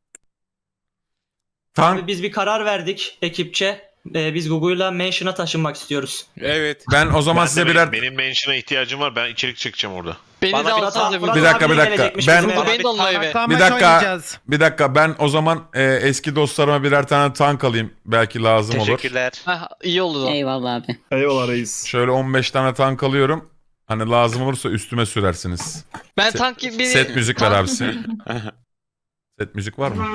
[SPEAKER 1] Tank
[SPEAKER 2] Abi biz bir karar verdik ekipçe. Biz Google'la Mansion'a taşınmak istiyoruz.
[SPEAKER 11] Evet.
[SPEAKER 1] ben o zaman size birer
[SPEAKER 3] Benim mention'a ihtiyacım var. Ben içerik çekeceğim orada.
[SPEAKER 5] Beni
[SPEAKER 8] Bana
[SPEAKER 5] de
[SPEAKER 8] bir
[SPEAKER 5] alsanıza
[SPEAKER 2] Fırat
[SPEAKER 1] Bir
[SPEAKER 5] bir
[SPEAKER 1] dakika,
[SPEAKER 2] abi
[SPEAKER 1] bir dakika.
[SPEAKER 2] gelecekmiş
[SPEAKER 1] Ben-
[SPEAKER 2] bizim eve.
[SPEAKER 5] Beni de onunla eve.
[SPEAKER 1] Bir dakika.
[SPEAKER 4] Oynayacağız.
[SPEAKER 1] Bir dakika ben o zaman eski dostlarıma birer tane tank alayım. Belki lazım olur.
[SPEAKER 8] Teşekkürler.
[SPEAKER 5] Heh, iyi oldu da.
[SPEAKER 9] Eyvallah abi.
[SPEAKER 11] Eyvallah reis.
[SPEAKER 1] Şöyle 15 tane tank alıyorum. Hani lazım olursa üstüme sürersiniz.
[SPEAKER 5] Ben tank gibi bir...
[SPEAKER 1] Set müzik ver abisi. Set müzik var mı?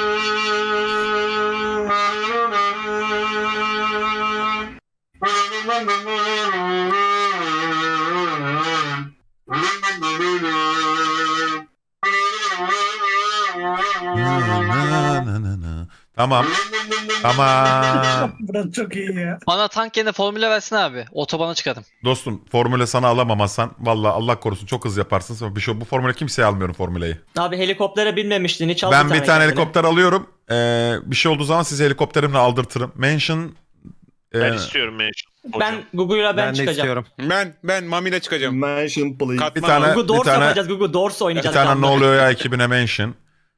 [SPEAKER 1] Tamam. Tamam.
[SPEAKER 7] Burası çok iyi ya.
[SPEAKER 5] Bana tank yerine formüle versin abi. Otobana çıkarım.
[SPEAKER 1] Dostum formüle sana alamam Hasan. Valla Allah korusun çok hızlı yaparsın. Bir şey, bu formüle kimseye almıyorum formüleyi.
[SPEAKER 2] Abi helikoptere binmemiştin hiç al
[SPEAKER 1] Ben bir tane
[SPEAKER 2] kendine.
[SPEAKER 1] helikopter alıyorum. Bir şey olduğu zaman sizi helikopterimle aldırtırım. Mansion
[SPEAKER 3] Ben istiyorum mention.
[SPEAKER 2] Ben Google'la ben
[SPEAKER 4] Ben de
[SPEAKER 2] çıkacağım.
[SPEAKER 4] istiyorum.
[SPEAKER 11] Ben Mami'yle çıkacağım.
[SPEAKER 7] Mansion please.
[SPEAKER 11] Katman
[SPEAKER 1] Bir tane-
[SPEAKER 11] al.
[SPEAKER 2] Google Doors
[SPEAKER 1] bir tane-
[SPEAKER 2] yapacağız. Google Doors
[SPEAKER 1] bir
[SPEAKER 2] oynayacağız.
[SPEAKER 1] tane ne
[SPEAKER 2] adamla.
[SPEAKER 1] oluyor ya ekibine Mansion.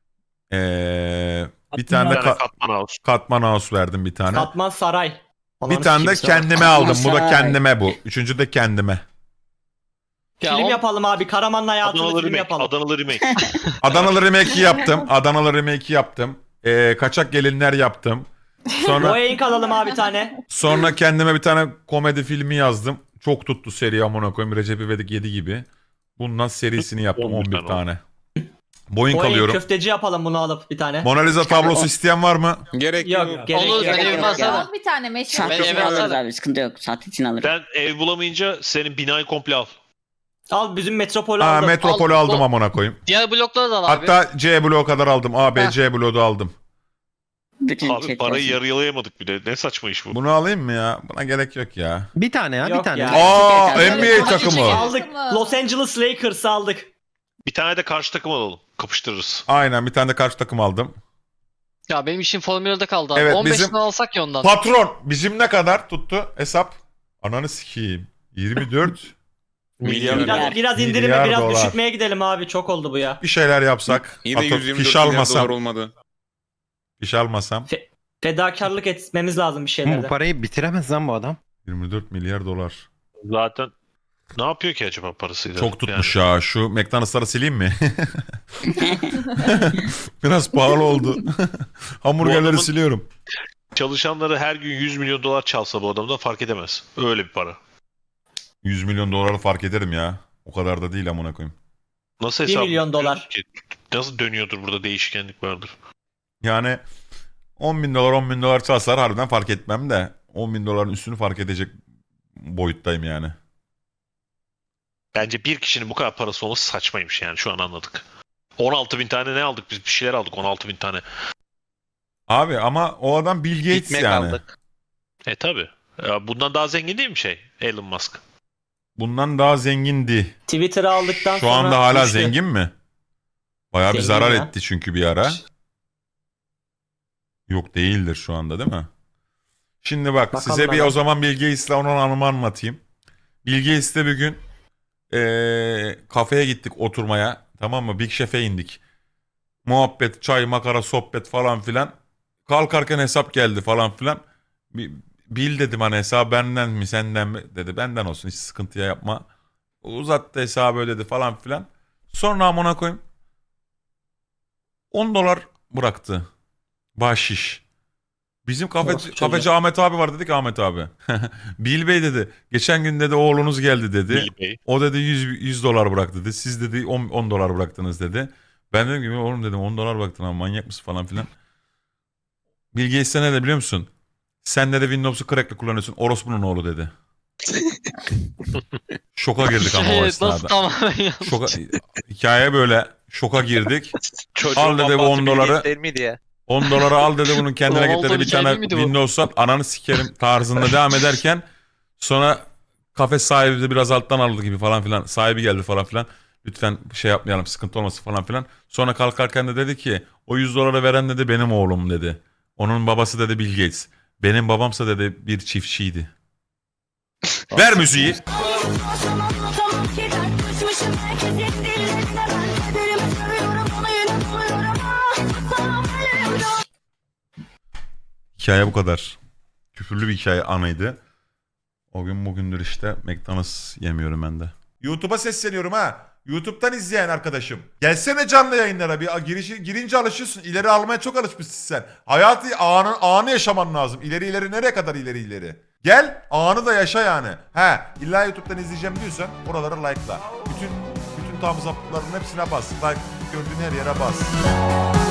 [SPEAKER 1] Bir tane
[SPEAKER 3] Bir
[SPEAKER 1] de
[SPEAKER 3] tane katman house.
[SPEAKER 1] Katman House verdim bir tane.
[SPEAKER 2] Katman Saray.
[SPEAKER 1] Bir tane de kendime aldım. Bu da kendime bu. Üçüncü de kendime.
[SPEAKER 5] Ya
[SPEAKER 2] Film
[SPEAKER 5] o-
[SPEAKER 2] yapalım abi. Karaman'la hayatını
[SPEAKER 3] Adanalı
[SPEAKER 2] film
[SPEAKER 3] remake.
[SPEAKER 2] yapalım.
[SPEAKER 3] Adanalı remake.
[SPEAKER 1] Adanalı Remake'i yaptım. Adanalı Remake'i yaptım. Kaçak Gelinler yaptım. Sonra
[SPEAKER 2] Boeing alalım abi bir tane.
[SPEAKER 1] sonra kendime bir tane komedi filmi yazdım. Çok tuttu seri amına koyayım. Recep İvedik 7 gibi. Bundan serisini yaptım
[SPEAKER 3] 11
[SPEAKER 1] 11
[SPEAKER 3] tane
[SPEAKER 1] tane. Boeing
[SPEAKER 2] Boeing
[SPEAKER 1] alıyorum.
[SPEAKER 2] köfteci yapalım bunu alıp bir tane.
[SPEAKER 1] Mona Lisa tablosu isteyen var mı?
[SPEAKER 11] Gerek
[SPEAKER 2] Yok
[SPEAKER 11] yok.
[SPEAKER 2] gerek
[SPEAKER 5] Olur,
[SPEAKER 2] yok.
[SPEAKER 5] ben evime asarım.
[SPEAKER 10] Al bir tane meşhur.
[SPEAKER 12] Sat
[SPEAKER 5] Ben
[SPEAKER 12] için
[SPEAKER 5] eve
[SPEAKER 12] alırız
[SPEAKER 5] atarım.
[SPEAKER 12] abi. Sıkıntı yok. Sat için alırız.
[SPEAKER 3] Ben ev bulamayınca senin binayı komple al.
[SPEAKER 2] Al bizim metropolü
[SPEAKER 1] Ha,
[SPEAKER 2] aldım.
[SPEAKER 1] Metropol'ü
[SPEAKER 5] Al,
[SPEAKER 1] aldım
[SPEAKER 5] o-
[SPEAKER 1] amına koyayım.
[SPEAKER 5] Diğer blokları da al abi.
[SPEAKER 1] Hatta C bloğu kadar aldım. A, B,
[SPEAKER 5] Ha.
[SPEAKER 1] C bloğu da aldım.
[SPEAKER 12] Bütün
[SPEAKER 3] Abi
[SPEAKER 12] chat
[SPEAKER 3] parayı
[SPEAKER 12] olsun.
[SPEAKER 3] yarılayamadık bile. Ne saçma iş bu.
[SPEAKER 1] Bunu alayım mı ya? Buna gerek yok ya.
[SPEAKER 4] Bir tane ya, bir
[SPEAKER 2] Yok
[SPEAKER 4] tane.
[SPEAKER 2] ya.
[SPEAKER 1] Aa,
[SPEAKER 12] Hadi
[SPEAKER 1] NBA
[SPEAKER 2] Hadi
[SPEAKER 1] takımı.
[SPEAKER 2] aldık. Los Angeles Lakers'ı aldık.
[SPEAKER 3] Bir tane de karşı takım alalım. Kapıştırırız.
[SPEAKER 1] Aynen, bir tane de karşı takım aldım.
[SPEAKER 5] Ya benim işim Formula 1'de kaldı abi.
[SPEAKER 1] Evet,
[SPEAKER 5] 15'inden
[SPEAKER 1] bizim-
[SPEAKER 5] alsak ya ondan.
[SPEAKER 1] Patron bizim ne kadar tuttu hesap? Ananı sikeyim. 24
[SPEAKER 11] Milyar.
[SPEAKER 2] Biraz indirime
[SPEAKER 1] Milyar
[SPEAKER 2] biraz
[SPEAKER 1] dolar.
[SPEAKER 2] düşürmeye gidelim abi. Çok oldu bu ya.
[SPEAKER 1] bir şeyler yapsak.
[SPEAKER 11] Yine
[SPEAKER 1] Atıp
[SPEAKER 11] 124
[SPEAKER 1] fiş
[SPEAKER 11] milyar dolar
[SPEAKER 1] almasam.
[SPEAKER 11] olmadı.
[SPEAKER 1] Fiş almasam.
[SPEAKER 2] Fedakarlık etmemiz lazım bir
[SPEAKER 4] Bu
[SPEAKER 2] şeylerde.
[SPEAKER 4] parayı bitiremez lan bu adam.
[SPEAKER 1] 24 milyar dolar.
[SPEAKER 3] Zaten ne yapıyor ki acaba parasıyla?
[SPEAKER 1] Çok tutmuş ya. Şu McDonald's'ları sileyim mi? Biraz pahalı oldu. Hamburgerleri
[SPEAKER 3] adamın-
[SPEAKER 1] siliyorum.
[SPEAKER 3] Çalışanları her gün 100 milyon dolar çalsa bu adamdan fark edemez. Öyle bir para.
[SPEAKER 1] 100 milyon doları fark ederim ya. O kadar da değil amına koyayım.
[SPEAKER 3] Nasıl
[SPEAKER 2] 1
[SPEAKER 3] hesap
[SPEAKER 2] milyon dolar.
[SPEAKER 3] yapıyorsun ki? Nasıl dönüyordur burada değişkenlik vardır.
[SPEAKER 1] Yani 10 bin dolar 10 bin dolar çalsalar harbiden fark etmem de 10 bin doların üstünü fark edecek boyuttayım yani.
[SPEAKER 3] Bence bir kişinin bu kadar parası olması saçmaymış yani şu an anladık. 16 bin tane ne aldık biz? Bir şeyler aldık 16 bin tane.
[SPEAKER 1] Abi ama o adam Bill Gates
[SPEAKER 8] Ekmek
[SPEAKER 1] yani.
[SPEAKER 8] aldık.
[SPEAKER 3] Tabi. Bundan daha zengin değil mi Elon Musk?
[SPEAKER 1] Bundan daha zengindi.
[SPEAKER 2] Twitter'ı aldıktan
[SPEAKER 1] Şu
[SPEAKER 2] sonra
[SPEAKER 1] anda hala
[SPEAKER 2] düştü.
[SPEAKER 1] zengin mi? Bayağı bir
[SPEAKER 2] Zengin
[SPEAKER 1] zarar
[SPEAKER 2] ya.
[SPEAKER 1] etti çünkü bir ara. Yok değildir şu anda değil mi? Şimdi bak
[SPEAKER 2] Bakalım
[SPEAKER 1] size bir
[SPEAKER 2] hemen.
[SPEAKER 1] o zaman Bill Gates'le onun anımı anlatayım. Bill Gates'le bir gün kafeye gittik oturmaya. Tamam mı? Big Chef'e indik. Muhabbet, çay, makara, sohbet falan filan. Kalkarken hesap geldi falan filan. Bill dedim hani hesap benden mi senden mi? Dedi benden olsun hiç sıkıntıya yapma. Uzattı hesabı ödedi falan filan. Sonra amına koyayım. 10 dolar bıraktı. Bahşiş. Bizim
[SPEAKER 2] Orası
[SPEAKER 1] kafeci Ahmet abi var dedik Ahmet abi. Bill Bey dedi. Geçen gün dedi oğlunuz geldi dedi.
[SPEAKER 3] Bill Bey.
[SPEAKER 1] O dedi 100 dolar bıraktı dedi. Siz dedi 10 dolar bıraktınız dedi. Ben dedim ki oğlum dedim 10 dolar bıraktın ama manyak mısın falan filan. Bill Gates ne de biliyor musun? Sen de Windows'u crack'le kullanıyorsun. Orospu'nun oğlu dedi. Şoka girdik ama o
[SPEAKER 5] Evet,
[SPEAKER 1] esnada.
[SPEAKER 5] nasıl tamamen ya.
[SPEAKER 1] Hikaye böyle şoka girdik.
[SPEAKER 8] Çocuğun
[SPEAKER 1] Al dedi bu
[SPEAKER 8] babası
[SPEAKER 1] 10
[SPEAKER 8] Bill
[SPEAKER 1] doları.
[SPEAKER 8] Gates değil miydi ya?
[SPEAKER 1] 10 doları al dedi bunun kendine git
[SPEAKER 5] Ronaldo
[SPEAKER 1] dedi bir
[SPEAKER 5] hikaye
[SPEAKER 1] tane
[SPEAKER 5] miydi bu?
[SPEAKER 1] Windows at ananı sikerim tarzında devam ederken sonra kafe sahibi de biraz alttan aldı gibi falan filan sahibi geldi falan filan lütfen şey yapmayalım sıkıntı olmasın falan filan sonra kalkarken de dedi ki o 100 doları veren dedi benim oğlum dedi onun babası dedi Bill Gates benim babamsa dedi bir çiftçiydi. Ver müziği. Hikaye bu kadar. Küfürlü bir hikaye anıydı. O gün bugündür işte McDonald's yemiyorum ben de. YouTube'a sesleniyorum ha. YouTube'dan izleyen arkadaşım. Gelsene canlı yayınlara bir girince alışıyorsun. İleri almaya çok alışmışsın sen. Hayatı anı yaşaman lazım. İleri nereye kadar ileri. Gel anı da yaşa yani. He illa YouTube'dan izleyeceğim diyorsan oraları like'la. Bütün thumbs up'ların hepsine bas. Like gördüğün her yere bas.